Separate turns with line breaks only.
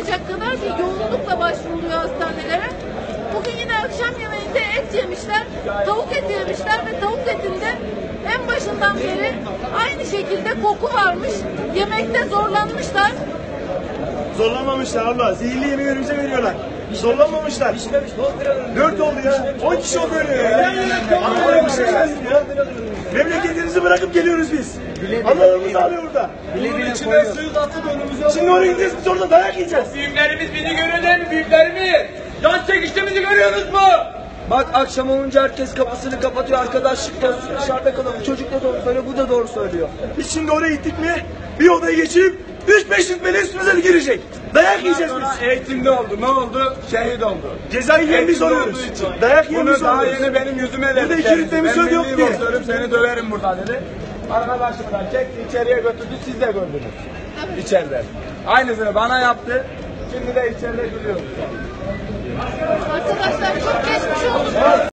olmayacak kadar bir yoğunlukla başvuruluyor hastanelere. Bugün yine akşam yemeğinde et yemişler, tavuk eti yemişler ve tavuk etinde en başından beri aynı şekilde koku varmış. Yemekte zorlanmışlar.
Zorlanmamışlar abla. Zehirli yemeği önümüze veriyorlar. Zorlanmamışlar. 4 oldu ya. 10 kişi oldu öyle ya. Memleketinizi bırakıp geliyoruz biz. Analarımız ağlıyor burada.
Bunun içine suyu atıp önümüze.
Şimdi oraya gideceğiz, biz orada dayak yiyeceğiz.
Büyüklerimiz bizi görüyorlar mı? Büyüklerimiz. Can çekiştiğimizi görüyorsunuz mu?
Bak akşam olunca herkes kapısını kapatıyor. Arkadaşlık da dışarıda kalalım. Çocuk da doğru söylüyor. Bu da doğru söylüyor.
Biz şimdi oraya gittik mi bir odaya geçip 3-5 rütbeli üstümüze girecek. Dayak yiyeceğiz biz.
Eğitimde oldu. Ne oldu? Şehit oldu.
Cezayı yiyen biz oluyoruz. Dayak yiyen biz
Bunu daha
oluyoruz.
yeni benim yüzüme dedi.
Burada 2 rütbemiz
Ben
yok
milli
diye.
boksörüm, seni döverim burada dedi. Arkadaşımdan çekti içeriye götürdü. Siz de gördünüz. İçeride. Aynısını bana yaptı. Şimdi de içeride gülüyoruz.